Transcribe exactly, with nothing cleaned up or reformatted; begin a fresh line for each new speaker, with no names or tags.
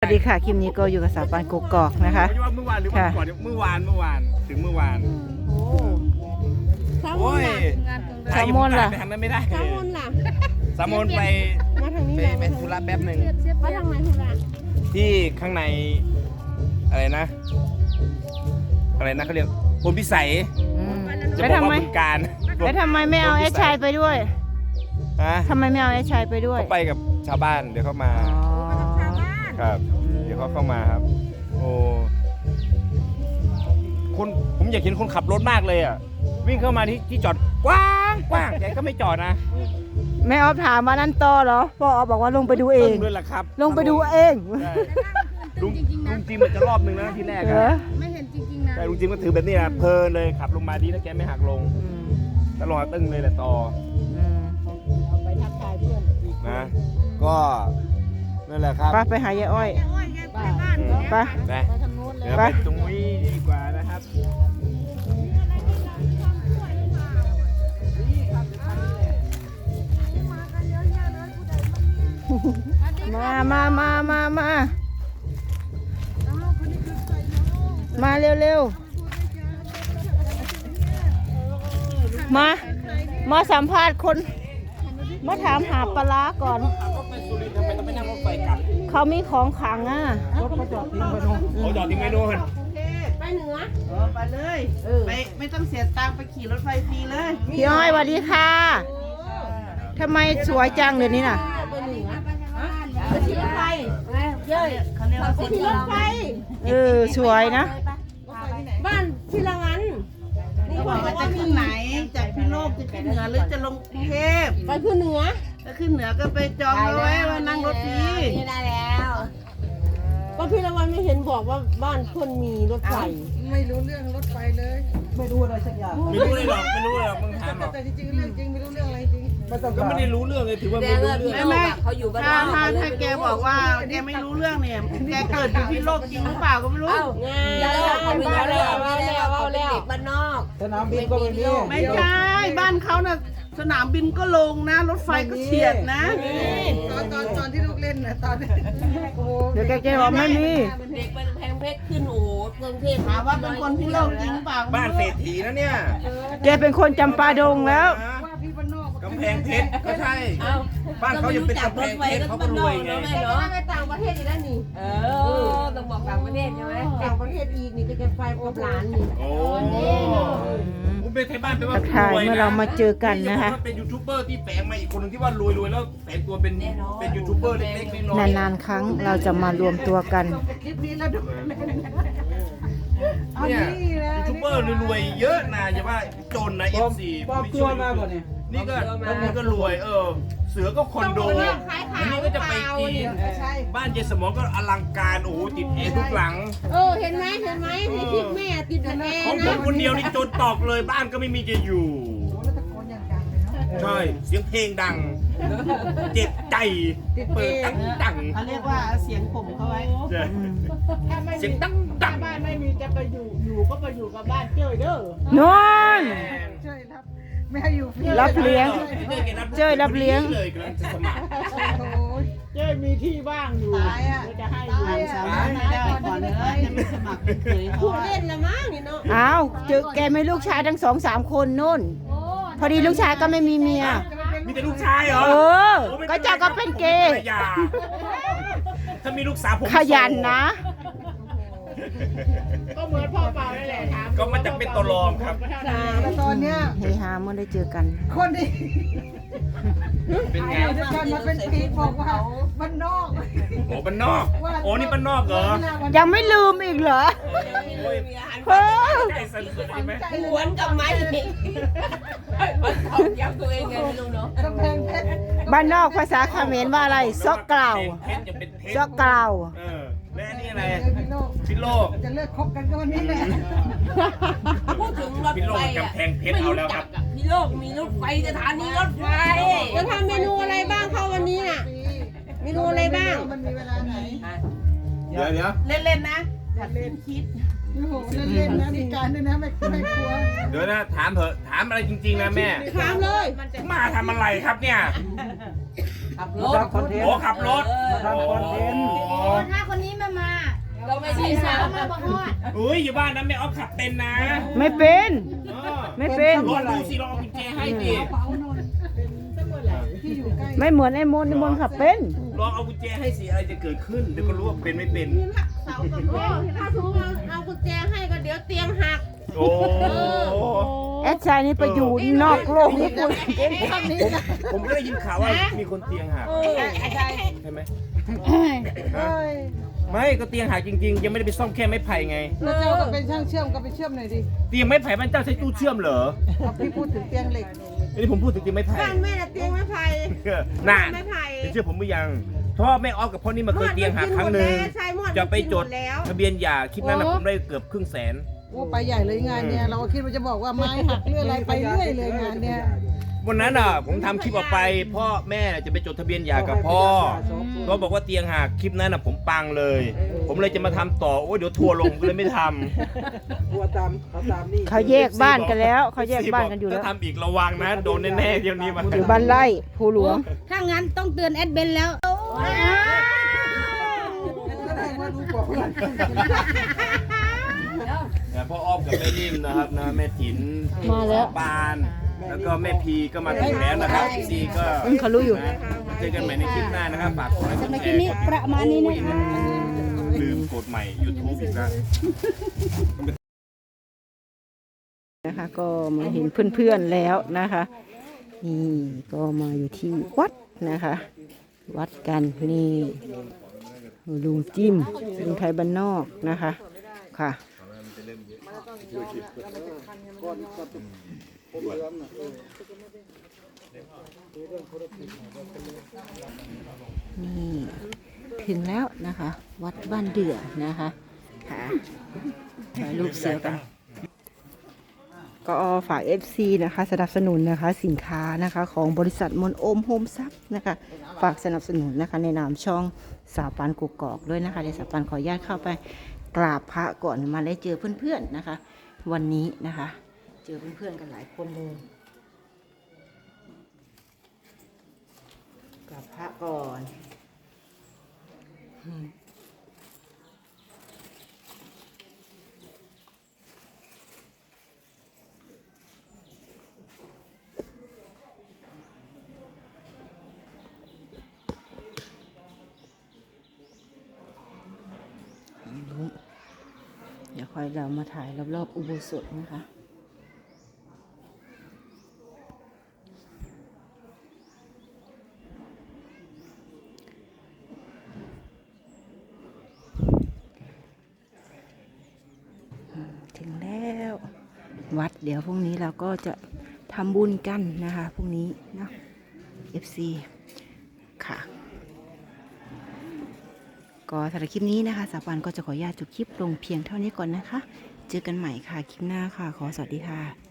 ดีค่ะคลิปนี้ก็อยู่กับสาวปานกกอกนะคะ
ไม่ว่าเมื่อวานหรือวันก่อนเมื่อวานเมื่อวานถึงเมื่อวาน
โอ้
โอ้ย
แซลมอนล่ะ
ไปทางนั้นไม่ได้
แซลมอนล่ะ
แซลมอนไป
มาทางนี้
ไป
เหรอ
ไปธุระแป๊บหนึ่ง
มาทางไหนธุระ
ที่ข้างในอะไรนะ อะไรนะเขาเรียกพลพิสัย
อืม
จะ
แล้ว
บอก
ทำไม
ว่าบึงการ
แล้วทำไมไม่เอาไอ้ชายไปด้วย
ฮะ
ทำไมไม่เอาไอ้ชายไปด้วย
เขาไปกับชาวบ้านเดี๋ยวเขามา
อ๋อ
ครับ เดี๋ยวเขาเข้ามาครับ โอ้คนผมอยากเห็นคนขับรถมากเลยอ่ะวิ่งเข้ามาที่ที่จอดกว้างกว้างแกก็ไม่จอดนะ
แม่ออฟถามว่านั่นต่อเหรอพ่อออฟบอกว่าลงไปดูเอง
ด้วยล่ะครับ
ลงไปดูเอง
ใช่ลุงลุงจิมมันจะรอบนึงนะที่แรก
เหร
อะ
อ
ไม่เห็นจริงๆนะ
แต่ลุงจิมก็ถือแบบนี้นะเพลินเลยขับลงมาดีนะแกไม่หักลง
อืม
แล้วลงมาตึ้งเลยแหละต่อ
อืม
ไปทักทายเพื่อน
นะก็นั่นแหละครับ
ไปไปหายายอ้อย
บ้าน
อืม
ไป
ไป
ไปทางโน้นเลย
เดี๋ยวไปตรงนี้ดีกว่านะครับ
มามามามามามาเร็วๆมามาสัมภาษณ์คนมาถามหาปลาร้าก่อน
ขับรถไปสุรินทร์ทำไมต้องไปนั่งรถไฟกลับ
เขามีของขลังอ่ะ
เขาจอดทิ้งไปโน่นเขาจอดทิ้งไปโน่น
ไปเหนือ
เออไปเลยไปไม่ต้องเสียตังค์ไปขี่รถไฟฟรีเลย
พี่อ้อยสวัสดีค่ะทำไมสวยจังเดี๋ยวนี้น่ะ
ไปเหนือ
ไปขี่รถไฟเย้ยเขาเรียกว่า
ขี่รถไฟ
เออสวยนะ
บ้านพิลาวันนี่
เขา
บบ อ
อก ก
ว่า
ว่า
จะ
จะ
ขึ้
ขึ้
น
น
ไห
ไห
น
นจากพิโลกจะขึ้นเหนือหรือจะลงกรุงเทพ
ไปขึ้นเหนือ
ถ้าขึ้นเหนือก็ไปจองเอาไว้ว่านั่งรถฟรี
นี่ได้แล้วก็พิลาวันไม่เห็นบอกว่าบ้านคนมีรถไฟ
ไม่รู้เรื่องรถไฟเลย
ไม่รู้อะไรสักอย่าง
ไม่รู้เลยหรอกไม่รู้เลยหรอกมึงถามหรอก
แต่จริงๆเรื่องจริงไม่รู้เรื่องอะไรจริง
ก็ไม่ได้รู้เรื่องเลยถือว่าไม่รู้เรื่อง
ไม่ไม่ถ้าถ้าถ้าแกบอกว่าแกไม่รู้เรื่องเนี่ยแกเกิดอยู่พิโลกจริงหรือเปล่าก็ไม่รู้
งานบ้านบ้านแล้วบ้านแล้วบ้านแล้วบ้านนอก
สนามบินก็ไม่มี
ไม่ใช่บ้านเขาน่ะสนามบินก็ลงนะ รถไฟก็เฉียดนะ
ตอนตอนตอนที่ลูกเล่นน่ะตอนโอ้
เดี๋ยวแกจะบอกไม่มี
เด็กเป็นแพงเพชรขึ้นโอ้กรุงเทพ
ถามว่าเป็นคนพิโลกจริงหรือเปล่า
บ้านเศรษฐีนะเนี่ย
แกเป็นคนจำปาดงแล้ว
ว่าพี่บ้านนอก
กำแพงเพชรก็ใช่ บ้านเขายังเป็นกำแพงเพชรเขาก็รวยไง
เนาะไปต่างประเทศอีกแล้วนี่เออต้องบอกต่างประเทศใช่ไหมต่างประเทศอีกนี่ก็จะไปกับหลานนี่
โอ้คุณเป็นไทยบ้านแปลว่า
ทักทายเมื่อเรามาเจอกันนะคะ
เป็นยูทูบเบอร์ที่แฝงมาอีกคนหนึงที่ว่ารวยรวยๆแล้วแฝงตัวเป็นเป็นยูทูบเบอร์เล็กๆน้อยๆ
นานๆครั้งเราจะมารวมตัวกัน
คลิปนี้แล้วดูเอา
เนี่ย
นี่นะ
ยูทูบเบอร์รวยๆเยอะนะอย่าว่าจนนะเอฟซี
ปลอมตัวมาบ่เนี่ย
นี่ก็นี่ก็รวยเออ เสือก็คอนโดอันนี้ก็จะไปจีน
ใช่
บ้านเจสมองก็อลังการโอ้โหติดแอร์ทุกหลัง
เออเห็นไหมเห็นไหมในคลิปแม่ติดแอร์
ของผม
นะ
คนเดียวนี่จนตอกเลยบ้านก็ไม่มีจะอยู่
โอ้แล้วตะโกนอย่างดังเลยเนาะ
ใช่เสียงเพลงดัง เจ็บใจเปิดตั้งดัง
เขาเรียกว่าเสียงผมเขาไว้
ใช่
ถ้าไม่
เสี
มี
ยงตั้งดัง
บ้านไม่มีจะไปอยู่อยู่ก็ไปอยู่กับบ้านเจ้ยเด้อน
อน
เจ้ยรับไม่ให้อยู่ฟรี
รับเลี้ยง เจ้ยรับเลี้ยง
เลยกำลังจะสมัคร
โอ้ย
เจ้มีที่ว่างอยู่
ตายอ่ะ
เดี๋ยวจะให้อ
ตาย
ยู่
อ่ะ
สามารถไม่ได้ก่อนเลยจะไม่สมัครเป็นเคย
พู
เขา
ดเล่นละมั้งนี่เนาะ
อ้าวเจอแกไม่ลูกชายทั้งสองสามคนนู่น พอดีลูกชายก็ไม่มีเมีย
มีแต่ลูกชายเหรอ
เออ ก็เจ้าก็เป็นเกย์
อย่าถ้ามีลูกสาวผม
ขยันนะ
ก็เหมือนพ่อเปล่านั่นแหละถาม
ก็มันจะเป็นตัวรองครับ
แต่ตอนเนี้ย
เฮฮาเมื่อได้เจอกัน
คนที่
เป็นไง
อยู่ด้วยกันมาเป็นปีบอกว่าบ้านนอก
โอ้บ้านนอก โอ้นี่บ้านนอกเหรอ
ยังไม่ลืมอีกเหรอ
โอ้ย
เฮ้ย
ใจสั่นเลยไหม
หวนกับไม้มันเขาย้ำตัวเองไงไม่รู้เนาะ
กำแพงเพชร
บ้านนอกภาษาเขมรว่าอะไรซอกเกลา
เพชรจะเป็นเพชร
ซอกเกลา
เออและอันนี่อะไร
พี่โลก
พิโลก
จะเลิกคบกันก็วันนี้แหละ
พูดถึงรถ
พิโล
ไฟ
ก
อ่ะ
กำแพงเพชรเอาแล้วครับ
พี่โลกมีรถไฟสถานีรถไฟจะทำเมนูอะไรบ้างเข้าวันนี้น่ะเมนูอะไรบ้าง
มันมีเวลาไหน
เดี๋ยวเดี๋ยว
เล่นๆนะอย่าเล่นคิด
โอ้โหเล่นๆนะมีการด้วยนะไม่ไม่กลัว
เดี๋ยวนะถามเถอะถามอะไรจริงๆนะแม่
ถามเลย
มาทำอะไรครับเนี่ย
ขับร
มา
ถ
ทำคอนเทน
โอ้
ต์
ขับรถ
มาทำคอนเทนต์
ถ้าคนนี้ไม่มา
เราไม่ใช่
สา
สาว ว
มาบอกว่า
อุ้ยอยู่บ้านนะแม่ออฟขับเป็นนะ
ไม่เป็น
เออ
ไม่เป็น
ลองดูสิลองเอากุญแจให้ดิ
ไม่เหมือนไอ้มนต์ไอ้มนต์ขับเป็น
ลองเอากุญแจให้สิอะไรจะเกิดขึ้นเดี๋ยวก็รู้ว่าเป็นไม่เป็น
เสากับโอ้ถ้าสมมติเราเอากุญแจให้ก็เดี๋ยวเตียงหัก
โอ้
แอดชายนี่ไปอยู่นอกโลกญี่ปุ่นเก่งข้างนี้นะ
ผมก็ได้ยินข่าวว่ามีคนเตียงหัก
ใช่
ใช่ไหมฮะไม่ก็เตียงหักจริงๆ ยังไม่ได้ไปซ่อมแค่ไม้ไผ่ไง
แล้วเจ้าก็เป็นช่างเชื่อมก็ไปเชื่อมหน่อยดิ
เตียงไม้ไผ่มันเจ้าใช้ตู้เชื่อมเหรอ
เอาพี่พูดถึงเตียงเหล็ก
อันนี้ผมพูดถึงเตียงไม้ไผ่
บ้านแม่น่ะเตียงไม้ไผ่
น่า
ไม้ไผ่
เชื่อผมหรือยังเพราะว่าแม่ออฟกับพ่อนี่มาเคยเตียงหักครั้งหนึ่ง
ใช่หมด
จะไปจด
แล้ว
ทะเบียนหย่าคลิปนั้นนะผมได้เกือบครึ่งแสน
โอ้ไปใหญ่เลยงานเนี่ยเราก็คิดว่าจะบอกว่าไม้หักเรื่องอะไรไปเรื่อยเลยงานเนี่ย
วันนั้นอ่ะผมทำคลิปออกไปพ่อแม่จะไปจดทะเบียนหย่ากับพ่อก็บอกว่าเตียงหักคลิปนั้นอ่ะผมปังเลย ผมเลยจะมาทำต่อโอ้ยเดี๋ยวทัวร์ลงก็เลยไม่ทำ
ตัวตามเขาตามนี่
เขาแยกบ้านกันแล้วเขาแยกบ้านกันอยู่แล้ว
ถ้าทำอีกระวังนะโดนแน่ๆเดี๋ยวนี้มา
อยู่บ้านไร่ภูหลวง
ถ้างั้นต้องเตือนแอดเบนแล้ว
แสดงว่ารู้บอกว่า
เนี่ยพ่ออ้อมกับแม่นิ่มนะครับนะแม่ถิน
มาแล้ว
ปานแล้วก็แม่พีก็มาถึงแล้วนะครับซีก็
อืมเขารู้อยู่
นะเจอกันใหม่ในคลิปหน้านะครับฝากกดไลค์กด
ใน
แช
คลิป
ร์
นี้ประมาณนี้นะคะ
ลืมกดใหม่ YouTube อีกแล้ว
นะคะก็มาเห็นเพื่อนๆแล้วนะคะนี่ก็มาอยู่ที่วัดนะคะ วัดกันนี่ลุงจิ้มลุงไทยบ้านนอกนะคะค่ะนี่ถึงแล้วนะคะ วัดบ้านเดือนะคะค่ะถ่ายรูปเสือกัน ก็ฝาก เอฟ ซี นะคะสนับสนุนนะคะสินค้านะคะของบริษัทมนโอมโฮมซับนะคะฝากสนับสนุนนะคะในนามช่องสาวปานกุกกอกด้วยนะคะเดี๋ยวสาวปานขออนุญาตเข้าไปกราบพระก่อนมาได้เจอเพื่อนๆนะคะ วันนี้นะคะ เจอเพื่อนๆกันหลายคนเลยกราบพระก่อนอืมเดี๋ยวค่อยเรามาถ่ายรอบๆอุโบสถนะคะถึงแล้ววัดเดี๋ยวพรุ่งนี้เราก็จะทำบุญกันนะคะพรุ่งนี้เนาะ เอฟ ซี ค่ะก็สำหรับคลิปนี้นะคะสาวปานก็จะขออนุญาตจบคลิปลงเพียงเท่านี้ก่อนนะคะ เจอกันใหม่ค่ะคลิปหน้าค่ะขอสวัสดีค่ะ